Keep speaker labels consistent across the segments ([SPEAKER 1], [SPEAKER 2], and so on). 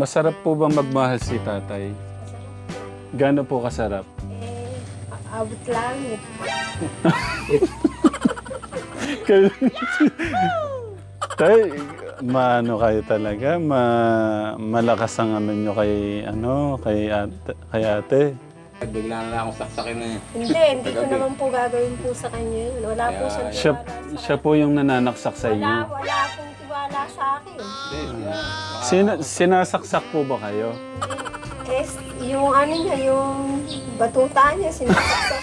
[SPEAKER 1] masarap po ba magmahal si tatay? Gaano po kasarap?
[SPEAKER 2] Abot langit.
[SPEAKER 1] Tay, maano kayo talaga, malakas ang ano nyo kay ate.
[SPEAKER 3] Bigla na lang akong saksakin na yun.
[SPEAKER 2] Hindi ko naman po gagawin po sa kanya yun. Wala po siyang
[SPEAKER 1] Siya,
[SPEAKER 2] tiwala sa
[SPEAKER 1] siya po yung nananaksak sa
[SPEAKER 2] Wala,
[SPEAKER 1] inyo.
[SPEAKER 2] wala akong tiwala sa akin.
[SPEAKER 1] Sinasaksak po ba kayo?
[SPEAKER 2] Eh, yung ano niya, yung batuta niya, sinasaksak.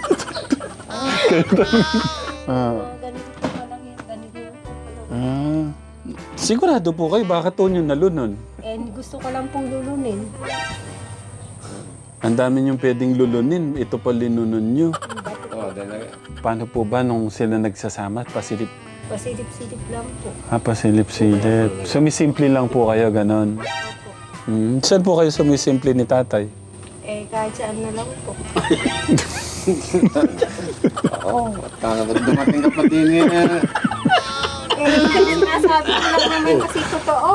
[SPEAKER 2] Ganito po palagi, ganito po palagi.
[SPEAKER 1] Sigurado po kayo, bakit po nyo nalunon?
[SPEAKER 2] Eh, gusto ko lang pong lulunin.
[SPEAKER 1] Ang dami nyo pwedeng lulunin, ito pa linunon nyo.
[SPEAKER 3] Oo, dahil
[SPEAKER 1] Paano po ba nung sila nagsasama? Pasilip?
[SPEAKER 2] Pasilip-silip lang po.
[SPEAKER 1] Pasilip-silip. Sumisimple lang po kayo, ganon.
[SPEAKER 2] Opo.
[SPEAKER 1] Saan po kayo sumisimple ni tatay?
[SPEAKER 2] Eh, kahit saan na lang po.
[SPEAKER 3] oo, dumating ka pa din eh.
[SPEAKER 2] Sinasabi ko lang naman kasi totoo.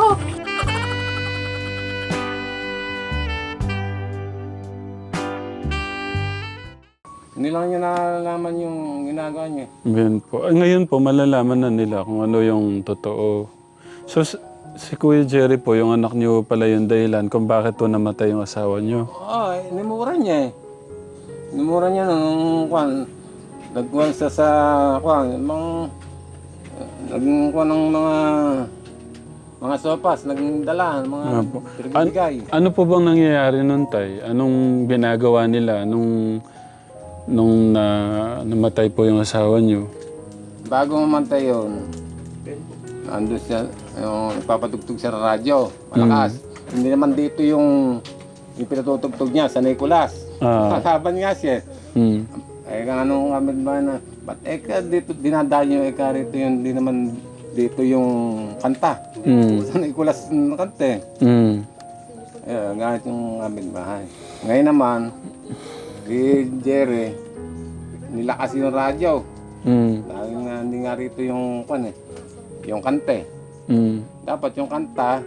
[SPEAKER 3] Hindi lang niya nalalaman yung ginagawa niya.
[SPEAKER 1] Ngayon po. Ngayon po, malalaman na nila kung ano yung totoo. So, si Kuya Jerry po, yung anak niyo pala yung dahilan kung bakit po namatay yung asawa niyo.
[SPEAKER 3] Oo, inimura niya eh. Inimura niya nung kwan. Nagkuhan sa kwan, nagkuhan ng mga sopas, nagdala, mga
[SPEAKER 1] Apo.
[SPEAKER 3] pinibigay.
[SPEAKER 1] Ano po bang nangyayari nun, tay? Anong ginagawa nila nung namatay po yung asawa niyo?
[SPEAKER 3] Bago mamantay yun, andun siya, yung nagpapatugtog sa radyo, malakas. Hindi naman dito yung pinatutugtog niya sa Nicolas. Kakaban nga siya. Eh, kung anong kamit ba na, ba't dito dinadaan yung rito yun, hindi naman dito yung kanta. Sa Nicolas na kanta eh. Gamit yung kamit bahay. Ngayon naman, si Jerry, nilakas yung radyo. Dahil nga, hindi nga rito yung yung kante. Dapat yung kanta,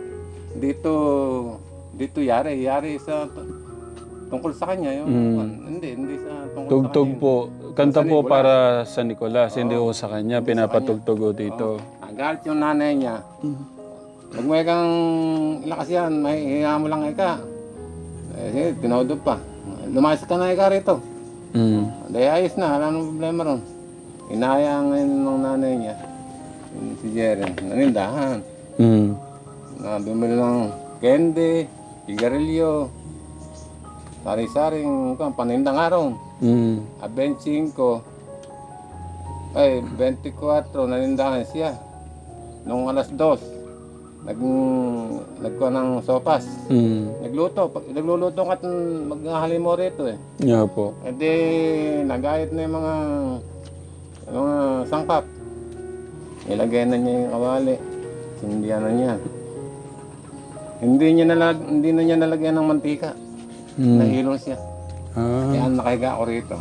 [SPEAKER 3] dito yari sa tungkol sa kanya. Hindi sa tungkol
[SPEAKER 1] Tugtog
[SPEAKER 3] sa kanya.
[SPEAKER 1] po. Kanta
[SPEAKER 3] Sa
[SPEAKER 1] po
[SPEAKER 3] Nicolas.
[SPEAKER 1] para sa Nicolas, hindi po sa kanya. Pinapatugtog po dito.
[SPEAKER 3] Nagalit yung nanay niya. Huwag mo kang lakas yan, may hiya mo lang ika. Eh, sige, tinodo pa. Lumayas ka na ika rito. Dahil ayos na, wala nang problema ron. Inaya ngayon ng nanay niya, si Jerry, nanindahan. Bumili ng candy, sigarilyo, sari-saring panindang araw. 25, ay 24, nanindahan siya. Nung alas 2, nagkuha ng sopas. Nagluluto ka at maghahalimo rito eh.
[SPEAKER 1] Yeah po.
[SPEAKER 3] E di, nagayat na yung mga sangkap. Nilagay na niya yung kawali. Sindihan na niya. Hindi na niya nalagyan ng mantika. Nahilo siya. Kaya nakahiga ako rito.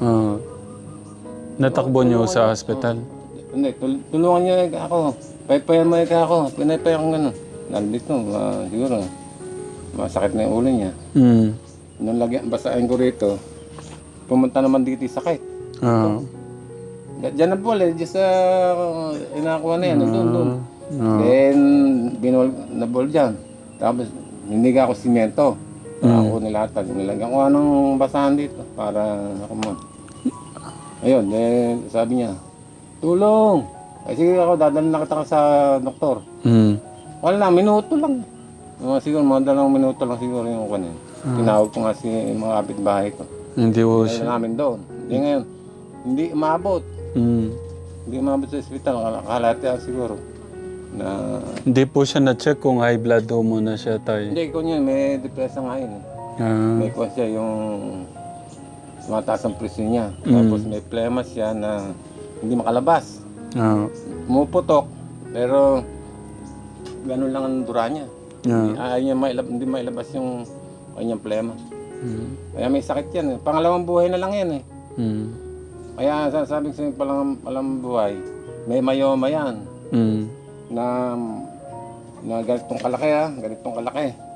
[SPEAKER 1] Natakbo niyo sa hospital?
[SPEAKER 3] Hindi, tulungan niya ako. Paypayan mo ako. Pinaypay akong gano'n. Nandito, siguro. Masakit na yung ulo niya. Nung basahin ko rito, pumunta naman dito yung sakit. Diyan na po, diyan sa inakuha na yan, doon. Then, nabol dyan. Tapos, hindi ako simento. Ako nilatag. Nilagyan ko ng basahan dito para ako mo. Ayun, sabi niya, tulong! Ay sige ako, dadalhin na kita sa doktor. Wala na, minuto lang. Siguro, mga 2 minuto lang siguro yung kanin. Tinawag ko nga si mga kapitbahay ko.
[SPEAKER 1] Hindi po
[SPEAKER 3] Dahil
[SPEAKER 1] siya.
[SPEAKER 3] namin doon. Hindi ngayon, hindi umabot. Hindi umabot sa ospital, kalahati siguro. Na,
[SPEAKER 1] Hindi po siya na-check kung high blood ho muna siya tayo.
[SPEAKER 3] hindi ko niya, may depresya nga yun. May kuha siya yung mataas ang presyon niya. Tapos may plema siya na hindi makalabas. Pumuputok, pero ganun lang ang dura niya. Ayaw niya hindi mailabas yung kanyang plema. Kaya may sakit yan. Pangalawang buhay na lang yan eh. Kaya sasabi ko sa palang buhay, may mayoma yan. Na ganitong kalaki ganitong kalaki.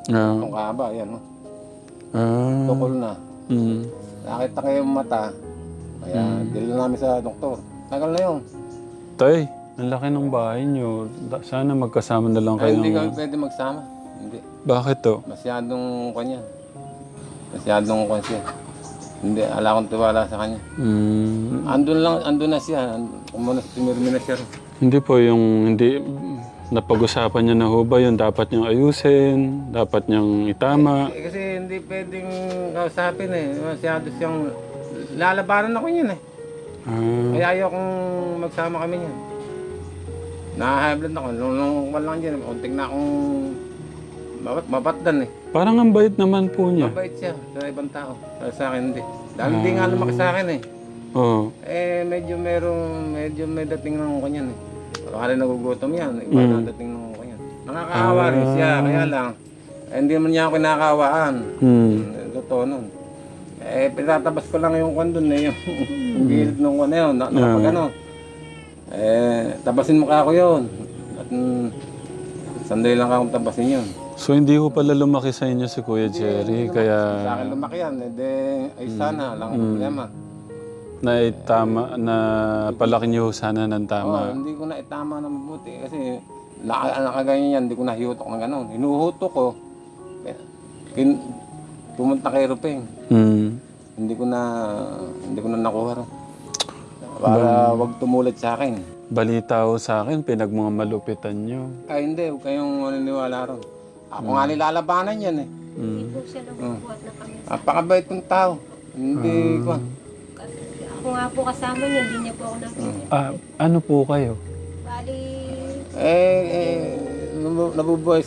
[SPEAKER 3] Itong kahaba, yan. Tukol na. Nakita ko yung mata. Kaya dila namin sa doktor. Tagal na yun.
[SPEAKER 1] Tay, ang laki ng bahay niyo. Sana magkasama na lang kayo.
[SPEAKER 3] Hindi kami pwede magsama. Hindi.
[SPEAKER 1] Bakit to?
[SPEAKER 3] Masyadong kanya. Masyadong kanya. Hindi, ala akong tiwala sa kanya. Andun na siya. Tumirmi na siya.
[SPEAKER 1] Hindi po yung hindi napag-usapan niya na ho ba yun dapat niyang ayusin, dapat niyang itama.
[SPEAKER 3] Kasi hindi pwedeng kausapin Masyado siyang lalabanan ako niyan Kaya ayokong magsama kami niyan. Na-high blood ako. Nung walang dyan, unting na akong mabatdan
[SPEAKER 1] Parang ang bait naman po niya.
[SPEAKER 3] Mabait siya sa ibang tao. Sa akin hindi. Dahil hindi nga lumaki sa akin
[SPEAKER 1] Oo.
[SPEAKER 3] Medyo may dating ng kanyan Baka rin nagugutom yan. Iba na dating ng kanyan. Nakakaawa rin siya. Kaya lang, hindi man niya ako kinakawaan. Totoo nun. Pinatabas ko lang yung kwan dun yung gilid nung kwan na yun. Nakapag ano. Tabasin mo ka ako yun. At sandali lang akong tabasin yun.
[SPEAKER 1] So hindi ko pala lumaki sa inyo si Kuya Jerry, kaya
[SPEAKER 3] Sa akin lumaki yan. Ay sana, lang ang problema.
[SPEAKER 1] na palaki niyo sana ng tama.
[SPEAKER 3] Hindi ko na itama na mabuti kasi nakaganyan yan, hindi ko nahihutok ng gano'n. Hinuhutok ko, pumunta kay Rupeng. Hindi ko na nakuha rin. Para wag tumulat sa akin.
[SPEAKER 1] Balita ho sa akin, pinagmamalupitan niyo.
[SPEAKER 3] Ay hindi, huwag kayong maniniwala ron. Ako nga nilalabanan yan
[SPEAKER 2] Hindi po siya nabubuhat na kami.
[SPEAKER 3] Napakabait kong tao. Hindi ko.
[SPEAKER 2] Ako nga po kasama niya, hindi niya po ako nakita.
[SPEAKER 1] Ano po kayo?
[SPEAKER 2] Bali,
[SPEAKER 3] Nabubuhay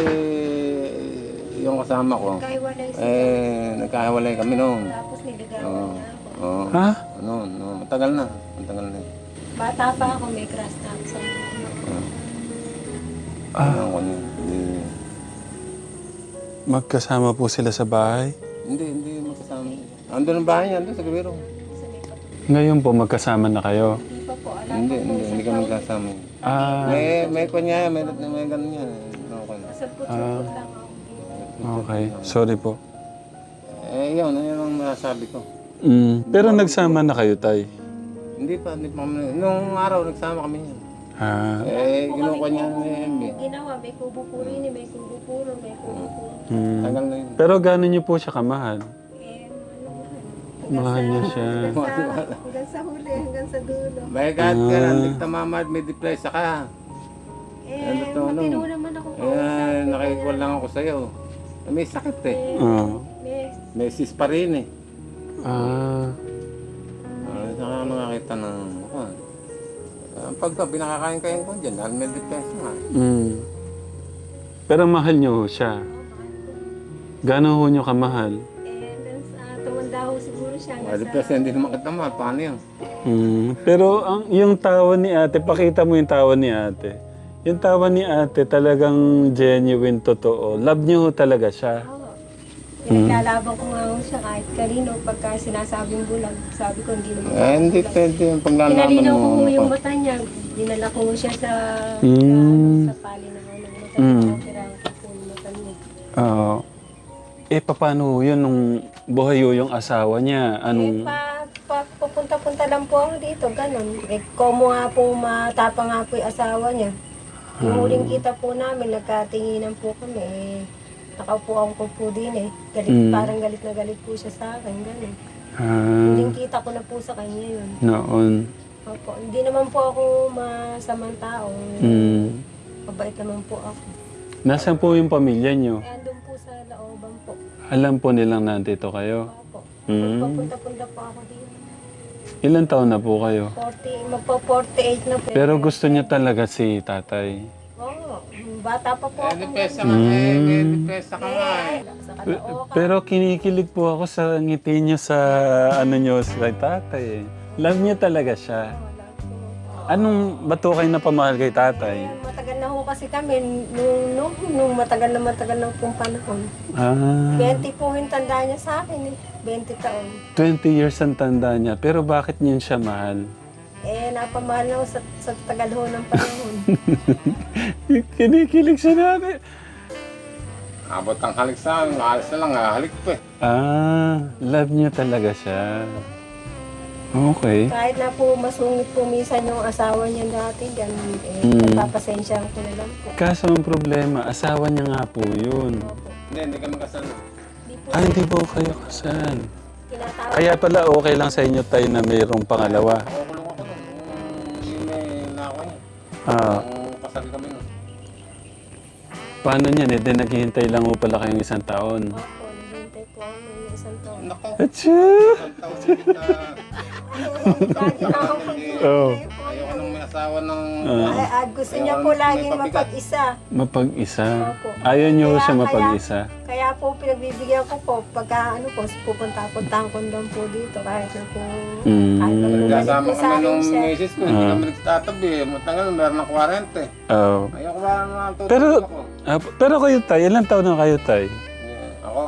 [SPEAKER 3] yung kasama ko.
[SPEAKER 2] kaiwalay siya.
[SPEAKER 3] Nagkahiwalay kami noon.
[SPEAKER 2] Tapos niligawan niya ako.
[SPEAKER 1] Ha?
[SPEAKER 3] Matagal na.
[SPEAKER 2] Bata pa ako, may crush na ako sa mga.
[SPEAKER 1] Magkasama po sila sa bahay?
[SPEAKER 3] Hindi magkasama. Andun ang bahay niya, andun sa Gabiro.
[SPEAKER 1] Ngayon po, magkasama na kayo?
[SPEAKER 2] Hindi pa po, alam
[SPEAKER 3] Hindi kami magkasama. May kanya, may ganun yan.
[SPEAKER 2] Masapot-sapot lang ako.
[SPEAKER 1] Okay, sorry po.
[SPEAKER 3] Yun ang masasabi ko.
[SPEAKER 1] Pero nagsama na kayo, Tay?
[SPEAKER 3] Hindi pa kami. Nung araw, nagsama kami yan. Kinuha niya
[SPEAKER 2] Ginawa, may kubo po rin, may kubo puro, may kubo puro.
[SPEAKER 3] Tagal na yun.
[SPEAKER 1] Pero gano'n niyo po siya kamahal? Mahal niya siya.
[SPEAKER 2] Hanggang sa huli, hanggang sa dulo.
[SPEAKER 3] May kahit ka lang, tamamad, may depresa ka.
[SPEAKER 2] Matino naman ako po.
[SPEAKER 3] Nakikikuha lang ako sa'yo. May sakit
[SPEAKER 2] May
[SPEAKER 3] May sis pa rin Saka nakakita ng pagka pinakakain-kain ko dyan, dahil may depresa nga.
[SPEAKER 1] Pero mahal niyo ho siya? Gano'n ho niyo kamahal?
[SPEAKER 2] tumanda ho siguro siya.
[SPEAKER 3] May depresa, hindi naman kita mahal. Paano yun?
[SPEAKER 1] Pero yung tawa ni ate, pakita mo yung tawa ni ate. Yung tawa ni ate talagang genuine, totoo. Love niyo ho talaga siya.
[SPEAKER 2] Pinaglalaban ko nga ho siya kahit kanino pagka sinasabing bulag. Sabi ko hindi naman.
[SPEAKER 3] Hindi pwede yung paglalaman
[SPEAKER 2] Pinalinaw ko
[SPEAKER 3] mo.
[SPEAKER 2] yung mata niya. Dinala ko siya sa pali na ng mata niya. Operahan ko po yung mata niya.
[SPEAKER 1] Oo. Paano yun nung buhay ho yung asawa niya? Anong...
[SPEAKER 2] Pupunta-punta lang po ako dito, ganun. Komo nga po, matapang nga po yung asawa niya. Yung huling kita po namin, nagkatinginan po kami. Nakaupuan ko po din Parang galit na galit po siya sa akin, ganun. Huling kita ko na po sa kanya yun.
[SPEAKER 1] Noon.
[SPEAKER 2] Opo, hindi naman po ako masamang tao. Mabait naman po ako.
[SPEAKER 1] Nasaan po yung pamilya niyo?
[SPEAKER 2] Andun po sa Laoban po.
[SPEAKER 1] Alam po nilang nandito kayo?
[SPEAKER 2] Opo. Papunta-punta po ako dito.
[SPEAKER 1] Ilan taon na po kayo?
[SPEAKER 2] 48 na po.
[SPEAKER 1] Pero gusto niya talaga si tatay.
[SPEAKER 2] Oo, bata pa po ako.
[SPEAKER 3] Depresa ka may depresa ka nga
[SPEAKER 2] Sa Caloocan.
[SPEAKER 1] Pero kinikilig po ako sa ngiti niyo sa niyo sa tatay. Love niya talaga siya. Anong bato kayo na pamahal kay tatay?
[SPEAKER 2] Matagal na ho kasi kami, nung matagal na pong panahon. 20 po yung tanda niya sa akin 20 taon.
[SPEAKER 1] 20 years ang tanda niya. Pero bakit niyo siya mahal?
[SPEAKER 2] Napamahal na ho sa tagal ho ng panahon.
[SPEAKER 1] Kinikilig siya namin.
[SPEAKER 3] Abot ang halik sa akin, maalis na lang, halik pa eh.
[SPEAKER 1] Love niyo talaga siya. Okay.
[SPEAKER 2] Kahit na po masungit po minsan yung asawa niya dati, ganun, napapasensya ko na lang po.
[SPEAKER 1] Kaso ang problema, asawa niya nga po yun.
[SPEAKER 2] Opo.
[SPEAKER 3] Hindi kami kasal.
[SPEAKER 2] Di po,
[SPEAKER 1] Hindi po kayo kasal.
[SPEAKER 2] tinatawag.
[SPEAKER 1] Kaya pala okay lang sa inyo tayo na mayroong pangalawa.
[SPEAKER 3] Kukulong ako nun, yung may nako niya. Nung kasal kami nun.
[SPEAKER 1] Paano niyan? Naghihintay lang mo pala kayong isang taon.
[SPEAKER 2] Opo, naghihintay po ako ng isang taon.
[SPEAKER 3] Nako,
[SPEAKER 1] Achoo!
[SPEAKER 3] isang taon din na
[SPEAKER 2] Lagi na ako
[SPEAKER 1] Oh.
[SPEAKER 3] ayoko nang may asawa ng...
[SPEAKER 2] At gusto niya po laging mapag-isa.
[SPEAKER 1] Mapag-isa.
[SPEAKER 2] Opo.
[SPEAKER 1] Ayaw niyo
[SPEAKER 2] Kaya-
[SPEAKER 1] siya mapag-isa.
[SPEAKER 2] Kaya po pinagbibigyan ko po, pagka ano po, pupunta-puntahan ko lang po dito kahit na po, kahit na po
[SPEAKER 3] Nagkasama
[SPEAKER 2] po sa
[SPEAKER 3] kami
[SPEAKER 2] akin
[SPEAKER 3] nung
[SPEAKER 2] siya.
[SPEAKER 3] misis ko, hindi kami nagtatabi. Matagal, meron ng 40.
[SPEAKER 1] Oh.
[SPEAKER 3] Ayoko ba naman tutulog
[SPEAKER 1] Pero-
[SPEAKER 3] ako?
[SPEAKER 1] Pero kayo tay, ilang taon na kayo tay?
[SPEAKER 3] Yeah, ako,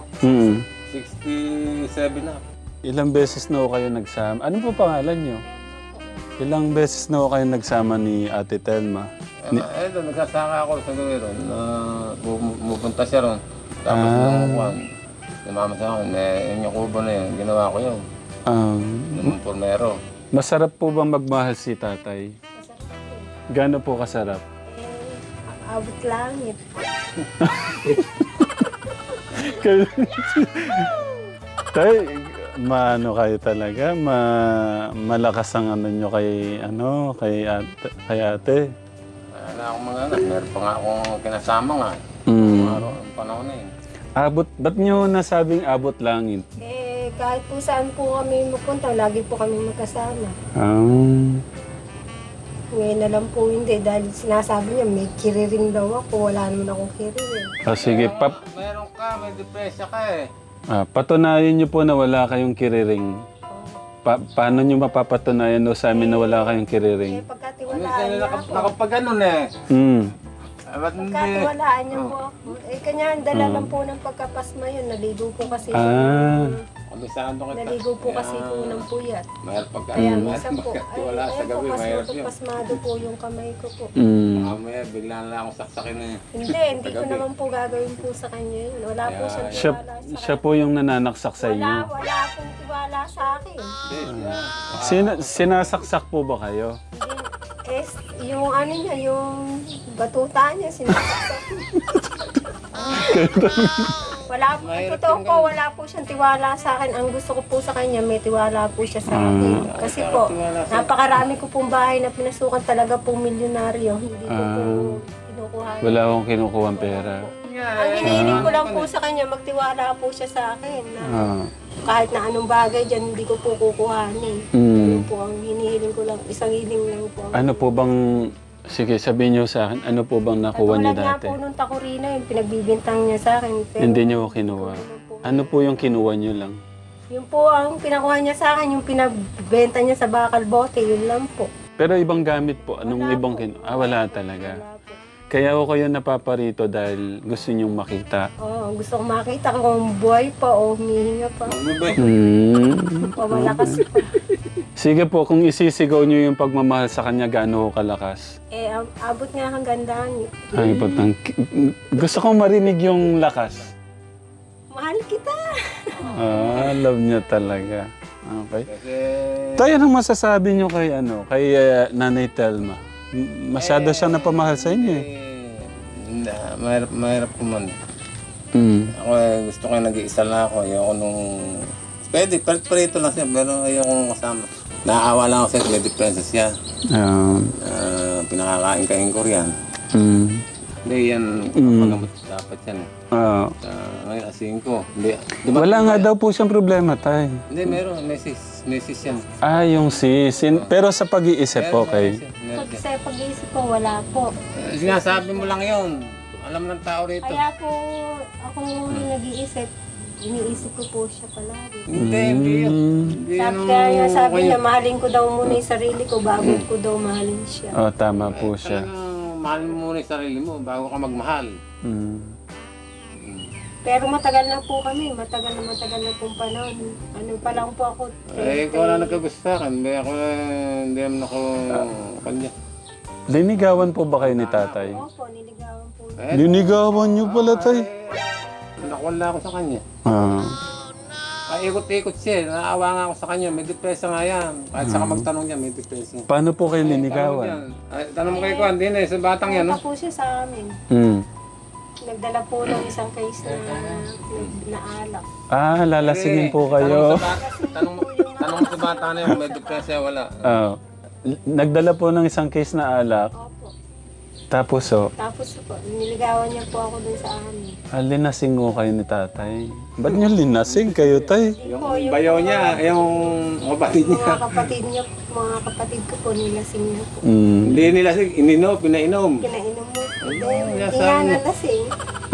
[SPEAKER 3] 67 na.
[SPEAKER 1] Ilang beses na ho kayo nagsama? Ano po pangalan niyo? Ilang beses na ho kayo nagsama ni Ate Telma?
[SPEAKER 3] Ito, nagsasaka ako sa gawin ron. Pupunta siya ron. Tapos nung kuwan, namama sa akin, yung kubo na yun, ginawa ko yun. Nung pormero.
[SPEAKER 1] Masarap po bang magmahal si tatay?
[SPEAKER 2] Masarap po.
[SPEAKER 1] Gaano po kasarap?
[SPEAKER 2] Abot langit.
[SPEAKER 1] Tay, maano kayo talaga? Malakas ang ano nyo kay ate.
[SPEAKER 3] Wala akong mga anak, meron pa nga akong kinasama nga. Araw, ang panahon na yun.
[SPEAKER 1] Ba't nyo nasabing abot langit?
[SPEAKER 2] Kahit po saan po kami mapunta, lagi po kami magkasama. Ngayon na lang po hindi dahil sinasabi niya may kiriring daw ako, wala naman akong kiriring.
[SPEAKER 1] Sige,
[SPEAKER 3] Meron ka, may depresya ka eh.
[SPEAKER 1] patunayan nyo po na wala kayong kiriring. Paano nyo mapapatunayan sa amin na wala kayong kiriring?
[SPEAKER 2] Pagkatiwalaan niya ako.
[SPEAKER 3] Nakapag ganun eh. Ba't hindi?
[SPEAKER 2] Pagkatiwalaan niya po ako. Kanya dala lang po ng pagkapasma yun, naligo po kasi.
[SPEAKER 3] Kabisado kita.
[SPEAKER 2] Naligo po kasi po ng puyat.
[SPEAKER 3] Mahirap pagka,
[SPEAKER 2] Kaya
[SPEAKER 3] mahirap
[SPEAKER 2] minsan po,
[SPEAKER 3] pagkatiwala sa
[SPEAKER 2] ayun
[SPEAKER 3] gabi,
[SPEAKER 2] po kasi
[SPEAKER 3] mahirap yun.
[SPEAKER 2] napagpasmado po yung kamay ko po.
[SPEAKER 3] Mamaya, bigla na lang akong saksakin na yun.
[SPEAKER 2] Hindi ko naman po gagawin po sa kanya yun. Wala po siyang tiwala sa
[SPEAKER 1] Siya po yung nananaksak sa inyo.
[SPEAKER 2] Wala pong tiwala sa akin.
[SPEAKER 1] Sinasaksak po ba kayo?
[SPEAKER 2] Yung ano niya, yung batuta niya, sinasaksak. Wala po, totoo po, wala po siyang tiwala sa akin. Ang gusto ko po sa kanya, may tiwala po siya sa akin. Kasi po, napakarami ko pong bahay na pinasukan talaga po milyonaryo. Hindi ko po kinukuha.
[SPEAKER 1] Wala akong kinukuha pera.
[SPEAKER 2] Ang hinihiling ko lang po sa kanya, magtiwala po siya sa akin. Na kahit na anong bagay dyan, hindi ko po kukuhanin. Ano po ang hinihiling ko lang, isang hiling lang po.
[SPEAKER 1] Ano po bang, sige sabihin niyo sa akin, ano po bang nakuha niyo
[SPEAKER 2] Katulad nga
[SPEAKER 1] dati?
[SPEAKER 2] po nung takurina, yung pinagbibintang niya sa akin. Pero,
[SPEAKER 1] Hindi niyo kinuha. Ano po yung kinuha niyo lang?
[SPEAKER 2] Yung po ang pinakuha niya sa akin, yung pinagbenta niya sa bakal bote, yun lang po.
[SPEAKER 1] Pero ibang gamit po, anong ibang kinuha? Wala talaga.
[SPEAKER 2] Wala po.
[SPEAKER 1] Kaya ako kayo napaparito dahil gusto niyong makita.
[SPEAKER 2] Oo, gusto ko makita kung buhay pa o humihinga pa. O malakas pa.
[SPEAKER 1] Sige po, kung isisigaw niyo yung pagmamahal sa kanya, gaano ho kalakas?
[SPEAKER 2] Abot nga hanggang dangit.
[SPEAKER 1] Ay, batang... Gusto kong marinig yung lakas.
[SPEAKER 2] Mahal kita!
[SPEAKER 1] Love niya talaga. Okay.
[SPEAKER 3] Kasi,
[SPEAKER 1] Tayo, anong masasabi niyo kay, Nanay Telma? Masyado siya napamahal sa inyo eh.
[SPEAKER 3] mahirap ko man. Ako gusto ko yung nag-iisa lang ako. Ayoko nung... Pwede, parito lang siya, pero ayoko kasama. Naaawa lang ako sa may depresya siya. Pinakakain ka yung Korean. Hindi yan, kapagamot dapat yan. Ngayon, asihin ko. Hindi,
[SPEAKER 1] Wala nga daw po siyang problema, tay.
[SPEAKER 3] Hindi, meron, mesis yan.
[SPEAKER 1] Yung sis. Pero sa pag-iisip, okay.
[SPEAKER 2] Sa pag-iisip ko, wala po.
[SPEAKER 3] Sinasabi mo lang yun. Alam ng tao rito.
[SPEAKER 2] Kaya po, ako nag-iisip, iniisip ko po siya palagi.
[SPEAKER 3] Hindi yun.
[SPEAKER 2] Kaya sabi niya, mahalin ko daw muna yung sarili ko bago ko daw mahalin siya.
[SPEAKER 1] Tama po siya.
[SPEAKER 3] Mahal mo muna yung sarili mo bago ka magmahal.
[SPEAKER 2] Pero matagal na po kami, matagal na pong panahon. Ano pa lang po ako.
[SPEAKER 3] Ikaw na nagkagusto sa akin. Hindi naman ako kanya.
[SPEAKER 1] Linigawan po ba kayo ni tatay?
[SPEAKER 2] Opo, niligawan po.
[SPEAKER 1] Linigawan niyo pala, tay.
[SPEAKER 3] wala ako sa kanya.
[SPEAKER 1] Ah.
[SPEAKER 3] Ikot-ikot siya. Naawa nga ako sa kanya. May depresa nga yan. Kahit saka magtanong niya, may depresa.
[SPEAKER 1] Paano po kayo
[SPEAKER 3] Tanong
[SPEAKER 1] linigawan?
[SPEAKER 3] yan. Ay, tanong mo kay Kwan, din sa batang yan, no?
[SPEAKER 2] Punta po siya sa amin.
[SPEAKER 1] Hmm.
[SPEAKER 2] Nagdala po ng isang case na alak.
[SPEAKER 1] Ah, lalasingin po
[SPEAKER 3] Tanong
[SPEAKER 1] kayo.
[SPEAKER 3] sa bata, tanong mo sa bata na yun, may depresa, wala.
[SPEAKER 1] Ah. Nagdala po ng isang case na alak.
[SPEAKER 2] Opo.
[SPEAKER 1] Tapos
[SPEAKER 2] Tapos po, niligawan niya po ako dun sa amin.
[SPEAKER 1] linasing ko kayo ni tatay. Ba't niyo linasing kayo, tay?
[SPEAKER 3] Yung bayaw niya, yung kapatid niya.
[SPEAKER 2] Mga kapatid ko po, nilasing niya po.
[SPEAKER 1] Mm.
[SPEAKER 3] Hindi nila ininom, pinainom.
[SPEAKER 2] Kinainom mo. Hindi
[SPEAKER 3] nasa-
[SPEAKER 2] nga nalasing.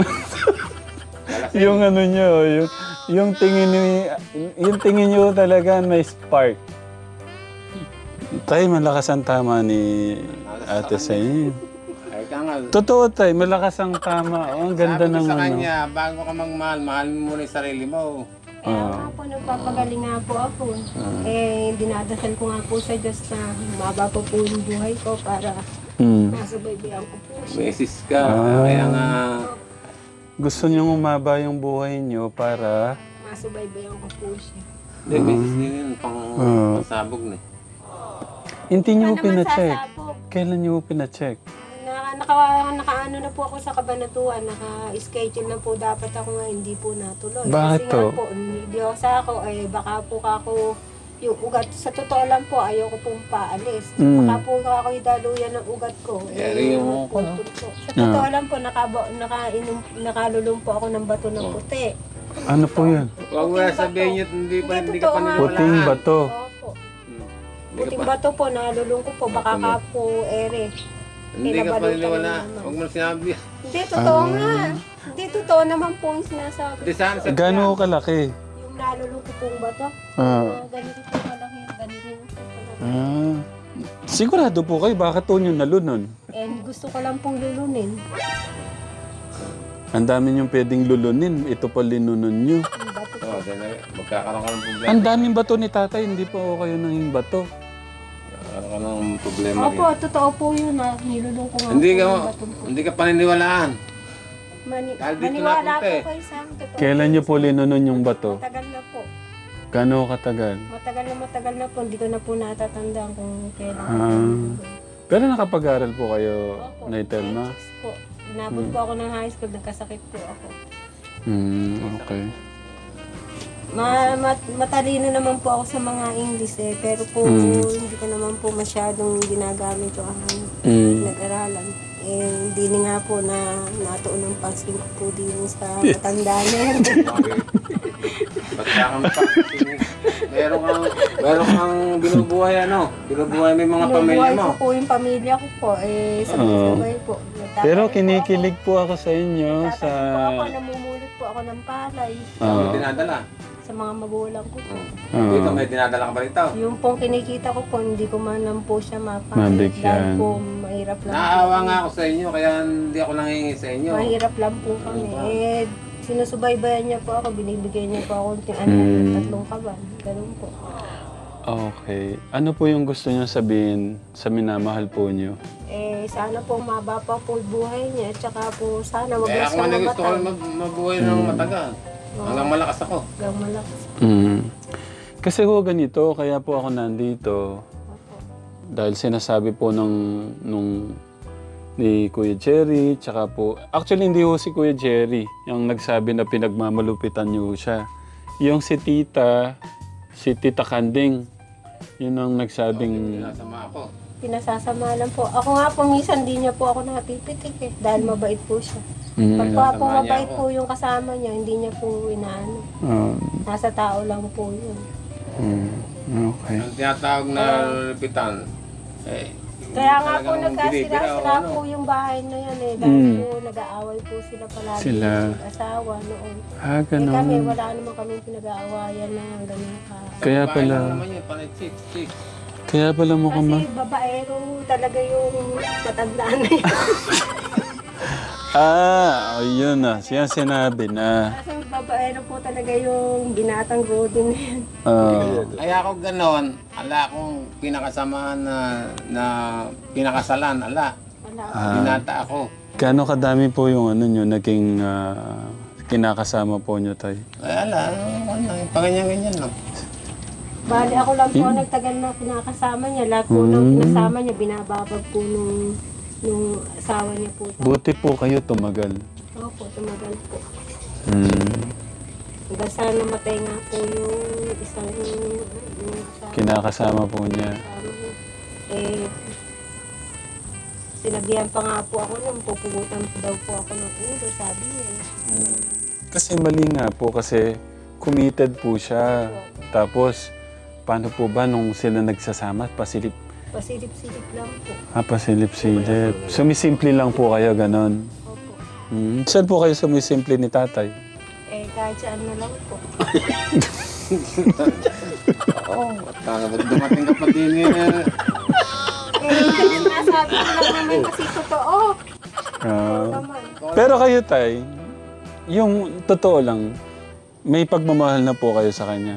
[SPEAKER 1] Yung ano niyo, yung tingin niyo talaga may spark. Tay, malakas ang tama ni ate sa inyo.
[SPEAKER 3] Ay, ka nga.
[SPEAKER 1] Totoo, tay, malakas ang tama. Oh, ang ganda
[SPEAKER 3] Sabi ko
[SPEAKER 1] ng
[SPEAKER 3] sa
[SPEAKER 1] ano.
[SPEAKER 3] kanya, bago ka magmahal, mahal mo muna yung sarili mo.
[SPEAKER 2] Kaya nga po, nagpapagaling nga po ako. Dinadasal ko nga po sa Diyos na maba po po yung buhay ko para
[SPEAKER 1] Mm.
[SPEAKER 2] masubaybayan ko po siya.
[SPEAKER 3] Beses ka.
[SPEAKER 1] Ah.
[SPEAKER 3] Kaya nga,
[SPEAKER 1] Gusto niyo umaba yung buhay niyo para...
[SPEAKER 2] Masubaybayan ko po siya.
[SPEAKER 3] hindi, beses din yun, pangsabog na.
[SPEAKER 1] Hindi niyo
[SPEAKER 2] Ano naman
[SPEAKER 1] pina-check.
[SPEAKER 2] sasabog?
[SPEAKER 1] Kailan niyo pina-check?
[SPEAKER 2] Nakaano na po ako sa Kabanatuan, naka-schedule na po dapat ako nga, hindi po natuloy.
[SPEAKER 1] Bakit
[SPEAKER 2] Kasi
[SPEAKER 1] to?
[SPEAKER 2] nga po, hindi ako sa ako, baka po ako, yung ugat, sa totoo lang po, ayoko pong paalis.
[SPEAKER 1] Mm.
[SPEAKER 2] Baka po ako idaluyan ng ugat ko.
[SPEAKER 3] Yari yung ako, no?
[SPEAKER 2] Sa totoo lang po, nakalulong po ako ng bato ng puti.
[SPEAKER 1] Ano po yun?
[SPEAKER 3] Huwag mo na sabihin niyo, hindi ka
[SPEAKER 2] Hindi, totoo nga.
[SPEAKER 1] Puting
[SPEAKER 3] paniniwalaan.
[SPEAKER 1] bato.
[SPEAKER 2] Opo.
[SPEAKER 3] Hindi ka
[SPEAKER 2] Puting
[SPEAKER 3] pa-
[SPEAKER 2] bato po, nalulong ko po, baka ka po ere.
[SPEAKER 3] Hindi ka
[SPEAKER 2] Kinabalutan
[SPEAKER 3] paniniwala.
[SPEAKER 2] naman.
[SPEAKER 3] Huwag mo na sinabi.
[SPEAKER 2] Hindi, totoo nga. Hindi, totoo naman po yung sinasabi.
[SPEAKER 3] Hindi saan sa
[SPEAKER 1] Gano'n kalaki?
[SPEAKER 2] Yung nalulong ko pong bato, ganito po malaki, ganito po malaki.
[SPEAKER 1] Ah. Sigurado po kayo, bakit to nyo nalunon?
[SPEAKER 2] And gusto ko lang pong lulunin.
[SPEAKER 1] Ang dami nyo pwedeng lulunin. Ito pa linunon nyo.
[SPEAKER 2] Yung bato po.
[SPEAKER 3] Oo, dahil magkakaroon ka ng problema.
[SPEAKER 1] Ang daming bato ni tatay, hindi po kayo nanging bato.
[SPEAKER 3] Magkakaroon ka ng problema
[SPEAKER 2] Opo,
[SPEAKER 3] rin.
[SPEAKER 2] totoo po yun ha. Nilulong ko nga
[SPEAKER 3] Hindi
[SPEAKER 2] po
[SPEAKER 3] ka,
[SPEAKER 2] yung bato po.
[SPEAKER 3] hindi ka paniniwalaan. Dahil dito
[SPEAKER 2] Maniwala
[SPEAKER 3] napunta
[SPEAKER 2] po
[SPEAKER 3] eh.
[SPEAKER 2] kayo sa akin. Totoo
[SPEAKER 1] Kailan
[SPEAKER 2] po
[SPEAKER 1] nyo
[SPEAKER 2] yun.
[SPEAKER 1] po linunon yung bato?
[SPEAKER 2] Matagal na po.
[SPEAKER 1] Gano'n katagal?
[SPEAKER 2] Matagal na po. Hindi ko na po natatandaan kung kailan.
[SPEAKER 1] Ah. Pero nakapag-aral po kayo,
[SPEAKER 2] Opo,
[SPEAKER 1] Nay Telma?
[SPEAKER 2] grade 6 po. Inabot po ako ng high school, nagkasakit po ako.
[SPEAKER 1] Okay.
[SPEAKER 2] Matalino naman po ako sa mga English pero po hindi ko naman po masyadong ginagamit yung aking nag-aralan. Hindi nga po na natuon ng pansin ko po din sa matanda na yan.
[SPEAKER 3] Ba't kang meron kang binubuhay ano? Binubuhay mo yung mga pamilya
[SPEAKER 2] Binubuhay
[SPEAKER 3] mo.
[SPEAKER 2] ko po yung pamilya ko po. Sabay-sabay po.
[SPEAKER 1] Pero kinikilig po ako sa inyo sa...
[SPEAKER 2] Tatay po ako, namumulot po ako ng palay
[SPEAKER 3] May dinadala.
[SPEAKER 2] sa mga magulang ko po.
[SPEAKER 3] Dito may dinadala ka pa rito.
[SPEAKER 2] Yung pong kinikita ko po, hindi ko man lang po siya
[SPEAKER 1] Mabigyan.
[SPEAKER 2] dahil po mahirap lang po.
[SPEAKER 3] Naawa nga ako sa inyo, kaya hindi ako nangingi sa inyo.
[SPEAKER 2] Mahirap lang po kami. Sinusubaybayan niya po ako, binibigyan niya po ako ng tatlong kaban. Ganun po.
[SPEAKER 1] Okay. Ano po yung gusto niyo sabihin sa minamahal po niyo?
[SPEAKER 2] Sana po maba pa po buhay niya. Tsaka po sana wag
[SPEAKER 3] Kaya
[SPEAKER 2] na
[SPEAKER 3] ako
[SPEAKER 2] siyang
[SPEAKER 3] nga gusto ko
[SPEAKER 2] mamatay.
[SPEAKER 3] mabuhay ng matagal. Hanggang malakas ako.
[SPEAKER 2] Hanggang malakas.
[SPEAKER 1] Kasi ho ganito, kaya po ako nandito. Dahil sinasabi po nung ni Kuya Jerry, tsaka po... Actually, hindi ho si Kuya Jerry yung nagsabi na pinagmamalupitan niyo siya. Yung si Tita Kanding, yun ang nagsabing...
[SPEAKER 3] Sinasama ako.
[SPEAKER 2] Pinasasama lang po. Ako nga po, minsan di niya po ako napipitik dahil mabait po siya. Pag po
[SPEAKER 3] Sinasama niya
[SPEAKER 2] mabait
[SPEAKER 3] ako.
[SPEAKER 2] po yung kasama niya, hindi niya po inaano. Nasa tao lang po yun.
[SPEAKER 1] Okay.
[SPEAKER 3] Ang tinatawag na lupitan,
[SPEAKER 2] Kaya nga po
[SPEAKER 3] talagang binibira o
[SPEAKER 2] nagkasira-sira
[SPEAKER 3] ano.
[SPEAKER 2] po yung bahay na yan dahil po nag-aaway po sila palagi
[SPEAKER 1] Sila.
[SPEAKER 2] ng asawa noon. Kami,
[SPEAKER 1] Ganun.
[SPEAKER 2] wala naman kami pinag-aawayan na ganun ka.
[SPEAKER 1] Kaya
[SPEAKER 3] babae
[SPEAKER 1] pala...
[SPEAKER 3] lang naman yun, panay chicks.
[SPEAKER 1] Kaya pala mukhang...
[SPEAKER 2] Kasi babaero talaga yung matandaan na yan.
[SPEAKER 1] Ayun na. Siya sinabi na.
[SPEAKER 2] Kasi babaero po talaga yung binatang rodin na yan.
[SPEAKER 3] Kaya ako ganon, ala akong pinakasamahan na pinakasalan, ala.
[SPEAKER 2] Wala.
[SPEAKER 3] Binata ako.
[SPEAKER 1] Gaano kadami po yung ano nyo, naging kinakasama po niyo, tay?
[SPEAKER 3] Wala, paganyan-ganyan lang.
[SPEAKER 2] Bali, ako lang po ang nagtagal na pinakasama niya. Lahat po nang pinasama niya, binababag po nung asawa niya po.
[SPEAKER 1] Buti po kayo tumagal.
[SPEAKER 2] Opo, tumagal po.
[SPEAKER 1] Mm.
[SPEAKER 2] Hanggang sa namatay nga po yung isang
[SPEAKER 1] Kinakasama po niya.
[SPEAKER 2] kasama niya. Eh, sinabihan pa nga po ako nung pupugutan daw po ako ng ulo, sabi niya.
[SPEAKER 1] Kasi mali nga po kasi committed po siya. Tapos, paano po ba nung sila nagsasama?
[SPEAKER 2] Pasilip-silip lang po.
[SPEAKER 1] Pasilip-silip. Sumisimple lang po kayo, ganon.
[SPEAKER 2] Opo.
[SPEAKER 1] Saan po kayo sumisimple ni tatay?
[SPEAKER 2] Eh, kahit saan na lang po.
[SPEAKER 3] Oo, dumating ka pa din eh.
[SPEAKER 2] Kasi nasabi ko lang naman kasi totoo. Naman.
[SPEAKER 1] Pero kayo, tay, yung totoo lang, may pagmamahal na po kayo sa kanya.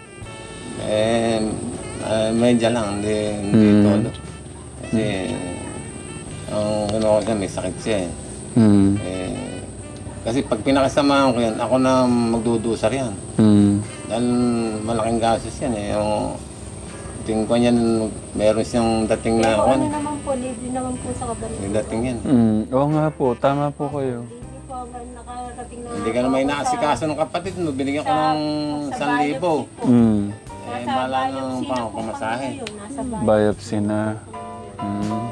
[SPEAKER 3] Medya lang, hindi todo. Kasi, ang ano ko siya, may sakit siya eh.
[SPEAKER 1] Mm.
[SPEAKER 3] Kasi pag pinakasamahan ko yan, ako na magdudusar yan.
[SPEAKER 1] Mm.
[SPEAKER 3] Dahil malaking gasos yan eh. Yung tingin ko yan, meron siyang dating na
[SPEAKER 2] Pero
[SPEAKER 3] ako.
[SPEAKER 2] ano naman po, libre naman po sa kabalit.
[SPEAKER 3] May dating yan.
[SPEAKER 1] Oo nga po, tama po kayo.
[SPEAKER 2] Libre po, nakarating na.
[SPEAKER 3] Hindi ka na may naasikaso ng kapatid mo, binigyan ko ng 1,000.
[SPEAKER 1] Mm.
[SPEAKER 2] Nasa
[SPEAKER 3] Bala
[SPEAKER 2] biopsy
[SPEAKER 3] ng
[SPEAKER 2] na po
[SPEAKER 3] pamasahe.
[SPEAKER 2] kami ngayon, nasa biopsy.
[SPEAKER 1] Biopsy na. Mm.